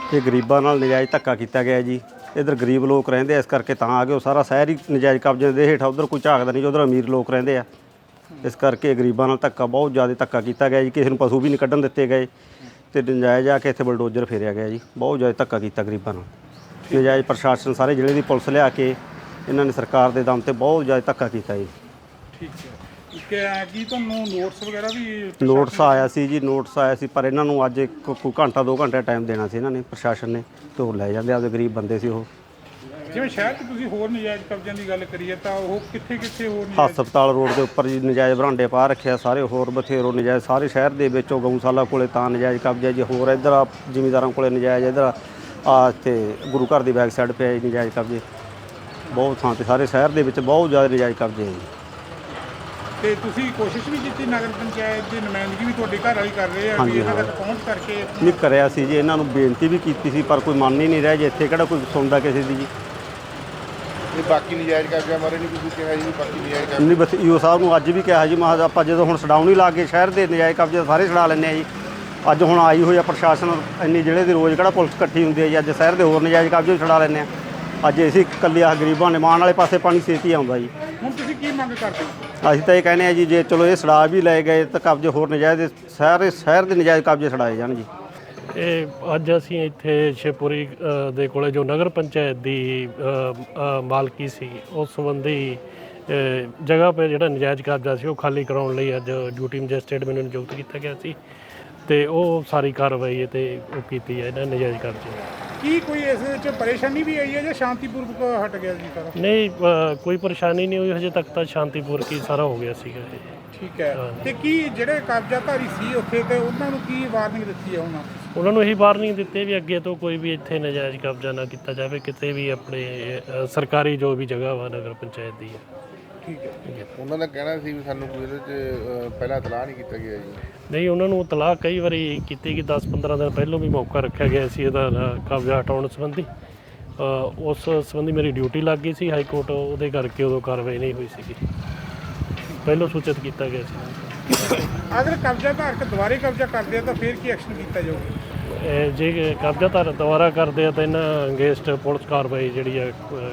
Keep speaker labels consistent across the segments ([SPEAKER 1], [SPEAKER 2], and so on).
[SPEAKER 1] ਇਹ ਗਰੀਬਾਂ ਨਾਲ ਨਜਾਇਜ਼ ਧੱਕਾ ਕੀਤਾ ਗਿਆ ਜੀ। ਇੱਧਰ ਗਰੀਬ ਲੋਕ ਰਹਿੰਦੇ ਇਸ ਕਰਕੇ ਤਾਂ ਆ ਗਏ। ਉਹ ਸਾਰਾ ਸ਼ਹਿਰ ਹੀ ਨਜਾਇਜ਼ ਕਬਜ਼ੇ ਦੇ ਹੇਠ, ਉੱਧਰ ਕੋਈ ਝਾਕਦਾ ਨਹੀਂ, ਉੱਧਰ ਅਮੀਰ ਲੋਕ ਰਹਿੰਦੇ ਆ। ਇਸ ਕਰਕੇ ਗਰੀਬਾਂ ਨਾਲ ਧੱਕਾ, ਬਹੁਤ ਜ਼ਿਆਦਾ ਧੱਕਾ ਕੀਤਾ ਗਿਆ ਜੀ। ਕਿਸੇ ਨੂੰ ਪਸ਼ੂ ਵੀ ਨਹੀਂ ਕੱਢਣ ਦਿੱਤੇ ਗਏ ਅਤੇ ਨਜਾਇਜ਼ ਆ ਕੇ ਇੱਥੇ ਬਲਡੋਜ਼ਰ ਫੇਰਿਆ ਗਿਆ ਜੀ। ਬਹੁਤ ਜ਼ਿਆਦਾ ਧੱਕਾ ਕੀਤਾ ਗਰੀਬਾਂ ਨਾਲ। ਨਜਾਇਜ਼ ਪ੍ਰਸ਼ਾਸਨ ਸਾਰੇ ਜ਼ਿਲ੍ਹੇ ਦੀ ਪੁਲਿਸ ਲਿਆ ਕੇ ਇਹਨਾਂ ਨੇ ਸਰਕਾਰ ਦੇ ਦਮ 'ਤੇ ਬਹੁਤ ਜ਼ਿਆਦਾ ਧੱਕਾ ਕੀਤਾ ਜੀ।
[SPEAKER 2] ਠੀਕ ਹੈ। ਕੀ ਤੁਹਾਨੂੰ ਨੋਟਿਸ ਵਗੈਰਾ ਵੀ?
[SPEAKER 1] ਨੋਟਿਸ ਆਇਆ ਸੀ ਜੀ, ਨੋਟਿਸ ਆਇਆ ਸੀ, ਪਰ ਇਹਨਾਂ ਨੂੰ ਅੱਜ ਕੋਈ ਘੰਟਾ 2 ਘੰਟੇ ਟਾਈਮ ਦੇਣਾ ਸੀ ਇਹਨਾਂ ਨੇ, ਪ੍ਰਸ਼ਾਸਨ ਨੇ, ਤੇ ਉਹ ਲੈ ਜਾਂਦੇ। ਆਪਦੇ ਗਰੀਬ ਬੰਦੇ ਸੀ ਉਹ।
[SPEAKER 2] ਜਿਵੇਂ ਸ਼ਹਿਰ 'ਚ ਤੁਸੀਂ ਹੋਰ ਨਜਾਇਜ਼ ਕਬਜ਼ਿਆਂ ਦੀ ਗੱਲ ਕਰੀਏ ਤਾਂ ਉਹ ਕਿੱਥੇ ਹੋਰ
[SPEAKER 1] ਹਸਪਤਾਲ ਰੋਡ ਦੇ ਉੱਪਰ ਜੀ ਨਜਾਇਜ਼ ਬਰਾਂਡੇ ਪਾ ਰੱਖਿਆ ਸਾਰੇ, ਹੋਰ ਬਥੇਰੋ ਨਜਾਇਜ਼ ਸਾਰੇ ਸ਼ਹਿਰ ਦੇ ਵਿੱਚੋਂ। ਗਊਸ਼ਾਲਾ ਕੋਲੇ ਤਾਂ ਨਜਾਇਜ਼ ਕਬਜ਼ਾ ਜੀ, ਹੋਰ ਇੱਧਰ ਆ ਜ਼ਿਮੀਂਦਾਰਾਂ ਕੋਲੇ ਨਜਾਇਜ਼, ਇੱਧਰ ਆ ਇੱਥੇ ਗੁਰੂ ਘਰ ਦੀ ਬੈਕ ਸਾਈਡ 'ਤੇ ਨਜਾਇਜ਼ ਕਬਜ਼ੇ ਬਹੁਤ ਥਾਂ 'ਤੇ, ਸਾਰੇ ਸ਼ਹਿਰ ਦੇ ਵਿੱਚ ਬਹੁਤ ਜ਼ਿਆਦਾ ਨਜਾਇਜ਼ ਕਬਜ਼ੇ ਹੈ ਜੀ।
[SPEAKER 2] ਤੇ ਤੁਸੀਂ ਕੋਸ਼ਿਸ਼ ਵੀ ਕੀਤੀ, ਨਗਰ ਪੰਚਾਇਤ ਦੀ ਨੁਮਾਇੰਦਗੀ ਵੀ ਤੁਹਾਡੇ ਘਰ ਵਾਲੀ ਕਰ ਰਹੇ ਆ ਵੀ ਇਹਨਾਂ ਤੱਕ ਪਹੁੰਚ ਕਰਕੇ?
[SPEAKER 1] ਨਹੀਂ ਕਰਿਆ ਸੀ ਜੀ, ਇਹਨਾਂ ਨੂੰ ਬੇਨਤੀ ਵੀ ਕੀਤੀ ਸੀ, ਪਰ ਕੋਈ ਮੰਨ ਹੀ ਨਹੀਂ ਰਿਹਾ ਜੀ। ਇੱਥੇ ਕਿਹੜਾ ਕੋਈ ਸੁਣਦਾ ਕਿਸੇ ਦੀ ਜੀ।
[SPEAKER 3] ਇਹ ਬਾਕੀ ਨਜਾਇਜ਼ ਕਬਜ਼ਾ ਮਾਰੇ ਨਹੀਂ ਤੁਸੀਂ ਕਿਹਾ ਜੀ? ਬਾਕੀ ਨਜਾਇਜ਼ ਕਬਜ਼ਾ
[SPEAKER 1] ਨਹੀਂ, ਬਸ ਈਓ ਸਾਹਿਬ ਨੂੰ ਅੱਜ ਵੀ ਕਿਹਾ ਜੀ, ਮੈਂ ਆਪਾਂ ਜਦੋਂ ਹੁਣ ਛਡਾਉਣ ਹੀ ਲੱਗ ਗਏ ਸ਼ਹਿਰ ਦੇ ਨਜਾਇਜ਼ ਕਬਜ਼ੇ ਸਾਰੇ ਛਡਾ ਲੈਂਦੇ ਆ ਜੀ। ਅੱਜ ਹੁਣ ਆਈ ਹੋਈ ਆ ਪ੍ਰਸ਼ਾਸਨ ਇੰਨੀ ਜ਼ਿਲ੍ਹੇ ਦੀ, ਰੋਜ਼ ਕਿਹੜਾ ਪੁਲਿਸ ਇਕੱਠੀ ਹੁੰਦੀ ਹੈ ਜੀ। ਅੱਜ ਸ਼ਹਿਰ ਦੇ ਹੋਰ ਨਜਾਇਜ਼ ਕਬਜ਼ੇ ਛਡਾ ਲੈਂਦੇ ਆ। ਅੱਜ ਅਸੀਂ ਇਕੱਲੇ ਆ ਗਰੀਬਾਂ ਨੇ, ਮਾਣ ਵਾਲੇ ਪਾਸੇ ਪਾਣੀ ਛੇਤੀ ਆਉਂਦਾ ਜੀ।
[SPEAKER 2] ਹੁਣ ਤੁਸੀਂ ਕੀ ਮੰਗ ਕਰਦੇ ਹੋ?
[SPEAKER 1] ਅਸੀਂ ਤਾਂ ਇਹ ਕਹਿੰਦੇ ਆ ਜੀ, ਜੇ ਚਲੋ ਇਹ ਛਡਾ ਵੀ ਲਏ ਗਏ ਤਾਂ ਕਬਜ਼ੇ ਹੋਰ ਨਜਾਇਜ਼ ਸਾਰੇ ਸ਼ਹਿਰ ਦੇ ਨਜਾਇਜ਼ ਕਬਜ਼ੇ ਛਡਾਏ ਜਾਣ ਜੀ।
[SPEAKER 4] ਇਹ ਅੱਜ ਅਸੀਂ ਇੱਥੇ ਸ਼ਿਵਪੁਰੀ ਦੇ ਕੋਲੇ ਜੋ ਨਗਰ ਪੰਚਾਇਤ ਦੀ ਮਾਲਕੀ ਸੀ, ਉਸ ਸੰਬੰਧੀ ਜਗ੍ਹਾ 'ਤੇ ਜਿਹੜਾ ਨਜਾਇਜ਼ ਕਬਜ਼ਾ ਸੀ ਉਹ ਖਾਲੀ ਕਰਾਉਣ ਲਈ ਅੱਜ ਡਿਊਟੀ ਮੈਜਿਸਟਰੇਟ ਮੈਨੂੰ ਨਿਯੁਕਤ ਕੀਤਾ ਗਿਆ ਸੀ, ਤੇ ਉਹ ਸਾਰੀ ਕਾਰਵਾਈ ਤੇ ਉਹ ਕੀਤੀ ਹੈ ਇਹਨਾਂ ਨਜਾਇਜ਼ ਕਬਜ਼ੇ।
[SPEAKER 2] ਕੀ ਕੋਈ ਇਸ ਵਿੱਚ ਪਰੇਸ਼ਾਨੀ ਵੀ ਆਈ ਹੈ ਜਾਂ ਸ਼ਾਂਤੀਪੂਰਵਕ ਹਟ ਗਿਆ ਜੀ ਸਾਰਾ?
[SPEAKER 4] ਨਹੀਂ, ਕੋਈ ਪਰੇਸ਼ਾਨੀ ਨਹੀਂ ਹੋਈ ਹਜੇ ਤੱਕ, ਤਾਂ ਸ਼ਾਂਤੀਪੂਰਵਕ ਹੀ ਸਾਰਾ ਹੋ ਗਿਆ ਸੀਗਾ ਇਹ।
[SPEAKER 2] ਠੀਕ ਹੈ। ਤੇ ਕੀ ਜਿਹੜੇ ਕਬਜ਼ਾਧਾਰੀ ਸੀ ਉੱਥੇ, ਤੇ ਉਹਨਾਂ ਨੂੰ ਕੀ ਵਾਰਨਿੰਗ ਦਿੱਤੀ ਹੈ
[SPEAKER 4] ਉਹਨਾਂ ਨੂੰ ਇਹੀ ਵਾਰਨਿੰਗ ਦਿੱਤੀ ਵੀ ਅੱਗੇ ਤੋਂ ਕੋਈ ਵੀ ਇੱਥੇ ਨਜਾਇਜ਼ ਕਬਜ਼ਾ ਨਾ ਕੀਤਾ ਜਾਵੇ ਕਿਤੇ ਵੀ, ਆਪਣੇ ਸਰਕਾਰੀ ਜੋ ਵੀ ਜਗ੍ਹਾ ਵਾ ਨਗਰ ਪੰਚਾਇਤ ਦੀ ਹੈ।
[SPEAKER 2] ਠੀਕ ਹੈ।
[SPEAKER 3] ਉਹਨਾਂ ਦਾ ਕਹਿਣਾ ਸੀ ਵੀ ਸਾਨੂੰ ਕੋਈ ਇਹਦੇ 'ਚ ਪਹਿਲਾਂ ਇਤਲਾਹ ਨਹੀਂ ਕੀਤਾ ਗਿਆ ਜੀ?
[SPEAKER 4] ਨਹੀਂ, ਉਹਨਾਂ ਨੂੰ ਇਤਲਾਹ ਕਈ ਵਾਰੀ ਕੀਤੀ ਕਿ 10-15 ਦਿਨ ਪਹਿਲਾਂ ਵੀ ਮੌਕਾ ਰੱਖਿਆ ਗਿਆ ਸੀ ਇਹਦਾ ਕਬਜ਼ਾ ਹਟਾਉਣ ਸੰਬੰਧੀ। ਉਸ ਸੰਬੰਧੀ ਮੇਰੀ ਡਿਊਟੀ ਲੱਗ ਗਈ ਸੀ ਹਾਈ ਕੋਰਟ, ਉਹਦੇ ਕਰਕੇ ਉਦੋਂ ਕਾਰਵਾਈ ਨਹੀਂ ਹੋਈ ਸੀਗੀ। ਪਹਿਲਾਂ ਸੂਚਿਤ ਕੀਤਾ ਗਿਆ ਸੀ।
[SPEAKER 2] ਅਗਰ ਕਬਜ਼ਾਧਾਰਕ ਦੁਬਾਰੇ ਕਬਜ਼ਾ ਕਰਦੇ ਆ ਤਾਂ ਫਿਰ ਕੀ ਐਕਸ਼ਨ ਕੀਤਾ ਜਾਊਗਾ?
[SPEAKER 4] ਜੇ ਕਬਜ਼ਾਧਾਰ ਦੁਬਾਰਾ ਕਰਦੇ ਆ ਤਾਂ ਇਹਨਾਂ ਅਗੇਂਸਟ ਪੁਲਿਸ ਕਾਰਵਾਈ ਜਿਹੜੀ ਆ,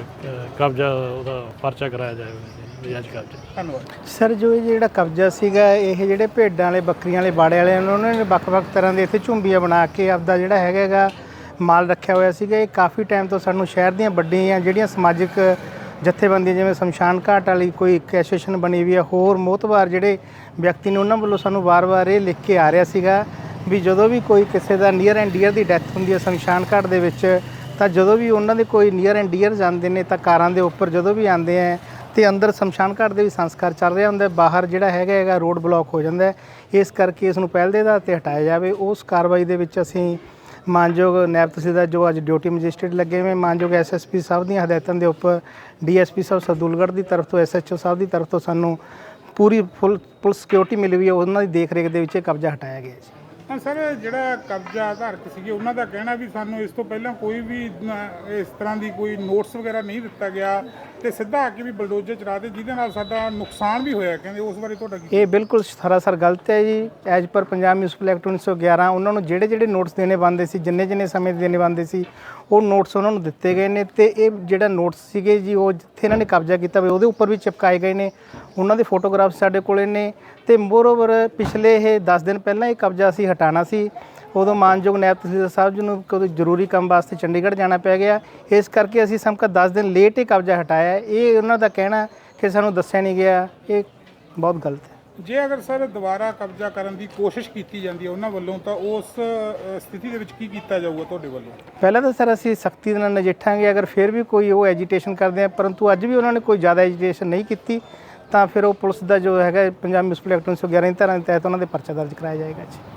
[SPEAKER 4] ਕਬਜ਼ਾ ਉਹਦਾ ਪਰਚਾ ਕਰਾਇਆ ਜਾਏਗਾ ਨਜਾਇਜ਼ ਕਬਜ਼ਾ।
[SPEAKER 2] ਧੰਨਵਾਦ
[SPEAKER 5] ਸਰ। ਜੋ ਇਹ ਜਿਹੜਾ ਕਬਜ਼ਾ ਸੀਗਾ, ਇਹ ਜਿਹੜੇ ਭੇਡਾਂ ਵਾਲੇ, ਬੱਕਰੀਆਂ ਵਾਲੇ ਬਾੜੇ ਵਾਲਿਆਂ ਨੇ, ਉਹਨਾਂ ਨੇ ਵੱਖ-ਵੱਖ ਤਰ੍ਹਾਂ ਦੇ ਇੱਥੇ ਝੁੰਬੀਆਂ ਬਣਾ ਕੇ ਆਪਦਾ ਜਿਹੜਾ ਹੈਗਾ ਮਾਲ ਰੱਖਿਆ ਹੋਇਆ ਸੀਗਾ। ਇਹ ਕਾਫੀ ਟਾਈਮ ਤੋਂ ਸਾਨੂੰ ਸ਼ਹਿਰ ਦੀਆਂ ਵੱਡੀਆਂ ਜਿਹੜੀਆਂ ਸਮਾਜਿਕ ਜਥੇਬੰਦੀਆਂ, ਜਿਵੇਂ ਸ਼ਮਸ਼ਾਨ ਘਾਟ ਵਾਲੀ ਕੋਈ ਐਸੋਸੀਏਸ਼ਨ ਬਣੀ ਵੀ ਆ, ਹੋਰ ਮੋਹਤਬਾਰ ਜਿਹੜੇ ਵਿਅਕਤੀ ਨੇ, ਉਹਨਾਂ ਵੱਲੋਂ ਸਾਨੂੰ ਵਾਰ-ਵਾਰ ਇਹ ਲਿਖ ਕੇ ਆ ਰਿਹਾ ਸੀਗਾ ਵੀ ਜਦੋਂ ਵੀ ਕੋਈ ਕਿਸੇ ਦਾ ਨੀਅਰ ਐਂਡ ਡੀਅਰ ਦੀ ਡੈਥ ਹੁੰਦੀ ਹੈ ਸ਼ਮਸ਼ਾਨ ਘਾਟ ਦੇ ਵਿੱਚ, ਤਾਂ ਜਦੋਂ ਵੀ ਉਹਨਾਂ ਦੇ ਕੋਈ ਨੀਅਰ ਐਂਡ ਡੀਅਰ ਜਾਂਦੇ ਨੇ ਤਾਂ ਕਾਰਾਂ ਦੇ ਉੱਪਰ ਜਦੋਂ ਵੀ ਆਉਂਦੇ ਆ ਤੇ ਅੰਦਰ ਸ਼ਮਸ਼ਾਨ ਘਾਟ ਦੇ ਵੀ ਸੰਸਕਾਰ ਚੱਲ ਰਿਹਾ ਹੁੰਦਾ, ਬਾਹਰ ਜਿਹੜਾ ਹੈਗਾ ਰੋਡ ਬਲੌਕ ਹੋ ਜਾਂਦਾ। ਇਸ ਕਰਕੇ ਇਸ ਨੂੰ ਪਹਿਲ ਦੇ ਆਧਾਰ 'ਤੇ ਹਟਾਇਆ ਜਾਵੇ। ਉਸ ਕਾਰਵਾਈ ਦੇ ਵਿੱਚ ਅਸੀਂ ਮਾਨਯੋਗ ਨਾਇਬ ਤਹਿਸੀਲਦਾਰ ਜੋ ਅੱਜ ਡਿਊਟੀ ਮੈਜਿਸਟਰੇਟ ਲੱਗੇ ਹੋਏ, ਮਾਨਯੋਗ ਐਸਐਸਪੀ ਸਾਹਿਬ ਦੀਆਂ ਹਦਾਇਤਾਂ ਦੇ ਉੱਪਰ ਡੀਐਸਪੀ ਸਾਹਿਬ ਸਰਦੂਲਗੜ੍ਹ ਦੀ ਤਰਫ ਤੋਂ, ਐਸਐਚਓ ਸਾਹਿਬ ਦੀ ਤਰਫ ਤੋਂ ਸਾਨੂੰ ਪੂਰੀ ਫੁੱਲ ਸਿਕਿਉਰਿਟੀ ਮਿਲੀ ਹੋਈ ਹੈ। ਉਹਨਾਂ ਦੀ ਦੇਖ ਰੇਖ ਦੇ ਵਿੱਚ ਇਹ ਕਬਜ਼ਾ ਹਟਾਇਆ ਗਿਆ ਜੀ।
[SPEAKER 2] ਹਾਂ ਸਰ, ਜਿਹੜਾ ਕਬਜ਼ਾ ਧਾਰਕ ਸੀਗੇ ਉਹਨਾਂ ਦਾ ਕਹਿਣਾ ਵੀ ਸਾਨੂੰ ਇਸ ਤੋਂ ਪਹਿਲਾਂ ਕੋਈ ਵੀ ਇਸ ਤਰ੍ਹਾਂ ਦੀ ਕੋਈ ਨੋਟਿਸ ਵਗੈਰਾ ਨਹੀਂ ਦਿੱਤਾ ਗਿਆ ਤੇ ਸਿੱਧਾ ਆ ਕੇ ਵੀ ਬਲਡੋਜ਼ਰ ਚਲਾ ਦੇ, ਜਿਹਦੇ ਨਾਲ ਸਾਡਾ ਨੁਕਸਾਨ ਵੀ ਹੋਇਆ। ਕਹਿੰਦੇ ਉਸ ਬਾਰੇ ਤੁਹਾਡਾ ਕੀ?
[SPEAKER 5] ਇਹ ਬਿਲਕੁਲ ਸਰਾਸਰ ਗਲਤ ਹੈ ਜੀ। As per Punjab municipal act 1911 ਉਹਨਾਂ ਨੂੰ ਜਿਹੜੇ ਨੋਟਿਸ ਦੇਣੇ ਬਣਦੇ ਸੀ, ਜਿੰਨੇ ਸਮੇਂ ਦੇਣੇ ਬਣਦੇ ਸੀ, ਉਹ ਨੋਟਿਸ ਉਹਨਾਂ ਨੂੰ ਦਿੱਤੇ ਗਏ ਨੇ। ਤੇ ਇਹ ਜਿਹੜਾ ਨੋਟਿਸ ਸੀਗੇ ਜੀ, ਉਹ ਜਿੱਥੇ ਇਹਨਾਂ ਨੇ ਕਬਜ਼ਾ ਕੀਤਾ ਹੋਇਆ ਉਹਦੇ ਉੱਪਰ ਵੀ ਚਿਪਕਾਏ ਗਏ ਨੇ। ਉਹਨਾਂ ਦੇ ਫੋਟੋਗ੍ਰਾਫਸ ਸਾਡੇ ਕੋਲੇ ਨੇ। ਤੇ ਮੋਰਓਵਰ ਪਿਛਲੇ ਇਹ 10 ਦਿਨ ਪਹਿਲਾਂ ਇਹ ਕਬਜ਼ਾ ਅਸੀਂ ਹਟਾਉਣਾ ਸੀ, ਉਦੋਂ ਮਾਨਯੋਗ ਨਾਇਬ ਤਹਿਸੀਲਦਾਰ ਸਾਹਿਬ ਜੀ ਨੂੰ ਕੋਈ ਜ਼ਰੂਰੀ ਕੰਮ ਵਾਸਤੇ ਚੰਡੀਗੜ੍ਹ ਜਾਣਾ ਪੈ ਗਿਆ। ਇਸ ਕਰਕੇ ਅਸੀਂ ਸਮਕਾ 10 ਦਿਨ ਲੇਟ ਇਹ ਕਬਜ਼ਾ ਹਟਾਇਆ। ਇਹ ਉਹਨਾਂ ਦਾ ਕਹਿਣਾ ਕਿ ਸਾਨੂੰ ਦੱਸਿਆ ਨਹੀਂ ਗਿਆ, ਇਹ ਬਹੁਤ ਗਲਤ ਹੈ।
[SPEAKER 2] ਜੇ ਅਗਰ ਸਰ ਦੁਬਾਰਾ ਕਬਜ਼ਾ ਕਰਨ ਦੀ ਕੋਸ਼ਿਸ਼ ਕੀਤੀ ਜਾਂਦੀ ਹੈ ਉਹਨਾਂ ਵੱਲੋਂ, ਤਾਂ ਉਸ ਸਥਿਤੀ ਦੇ ਵਿੱਚ ਕੀ ਕੀਤਾ ਜਾਊਗਾ ਤੁਹਾਡੇ ਵੱਲੋਂ?
[SPEAKER 5] ਪਹਿਲਾਂ ਤਾਂ ਸਰ ਅਸੀਂ ਸਖਤੀ ਦੇ ਨਾਲ ਨਜਿੱਠਾਂਗੇ। ਅਗਰ ਫਿਰ ਵੀ ਕੋਈ ਉਹ ਐਜੀਟੇਸ਼ਨ ਕਰਦੇ ਆ, ਪਰੰਤੂ ਅੱਜ ਵੀ ਉਹਨਾਂ ਨੇ ਕੋਈ ਜ਼ਿਆਦਾ ਐਜੀਟੇਸ਼ਨ ਨਹੀਂ ਕੀਤੀ, ਤਾਂ ਫਿਰ ਉਹ ਪੁਲਿਸ ਦਾ ਜੋ ਹੈਗਾ ਪੰਜਾਬ ਮਿਊਨਿਸਪਲ ਐਕਟ 1911 ਦੀ ਧਾਰਾ ਦੇ ਤਹਿਤ ਉਹਨਾਂ ਦੇ ਪਰਚਾ ਦਰਜ ਕਰਾਇਆ ਜਾਏਗਾ ਜੀ।